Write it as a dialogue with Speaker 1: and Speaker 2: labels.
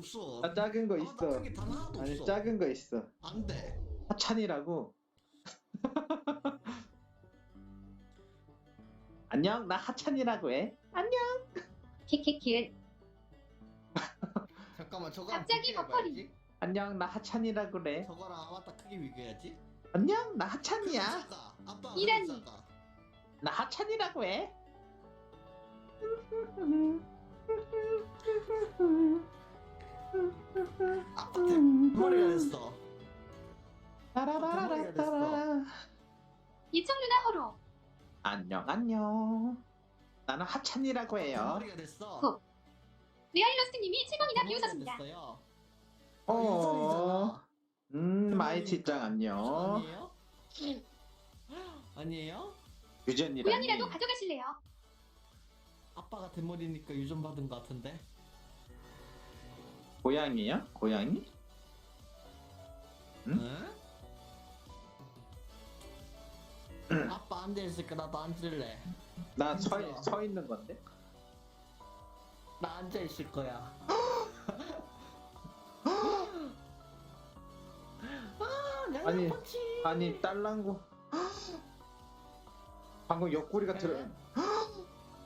Speaker 1: 없어.
Speaker 2: 아, 작은 거
Speaker 1: 아바타
Speaker 2: 있어.
Speaker 1: 크기 단 하나도
Speaker 2: 아니,
Speaker 1: 없어.
Speaker 2: 작은 거 있어.
Speaker 1: 안 돼.
Speaker 2: 하찬이라고. 안녕, 나 하찬이라고 해. 안녕.
Speaker 3: 키키키.
Speaker 1: 잠깐만 저거
Speaker 3: 갑자기 버퍼링.
Speaker 2: 안녕, 나 하찬이라고 그래.
Speaker 1: 저거랑 아바타 크기 비교해야지.
Speaker 2: 안녕, 나 하찬이야.
Speaker 1: 작아. 아빠가
Speaker 3: 이란이.
Speaker 1: 작아.
Speaker 2: 나 하찬이라고 해.
Speaker 1: 아빠 대머리가 됐어.
Speaker 2: 따라라라라따라.
Speaker 3: 이청 누나 호로.
Speaker 2: 안녕, 안녕. 나는 하찬이라고 해요.
Speaker 1: 대머리가 됐어.
Speaker 3: 굿. 레알러스님이 7번이나
Speaker 1: 대머리가
Speaker 3: 비우셨습니다.
Speaker 1: 됐어요.
Speaker 2: 어.
Speaker 1: 유전이잖아.
Speaker 2: 마이치짱 안녕.
Speaker 1: 아니에요? 아니에요?
Speaker 2: 유전이라니.
Speaker 3: 고양이라도 가져가실래요?
Speaker 1: 아빠가 대머리니까 유전 받은 것 같은데.
Speaker 2: 고양이요? 고양이? 응?
Speaker 1: 응? 아빠 앉아 있을까? 나도 앉을래.
Speaker 2: 나
Speaker 1: 진짜.
Speaker 2: 서 있는 건데?
Speaker 1: 나 앉아 있을 거야. 아,
Speaker 2: 아니,
Speaker 1: 펀치.
Speaker 2: 아니 딸랑구. 방금 옆구리가 들어.
Speaker 1: 네.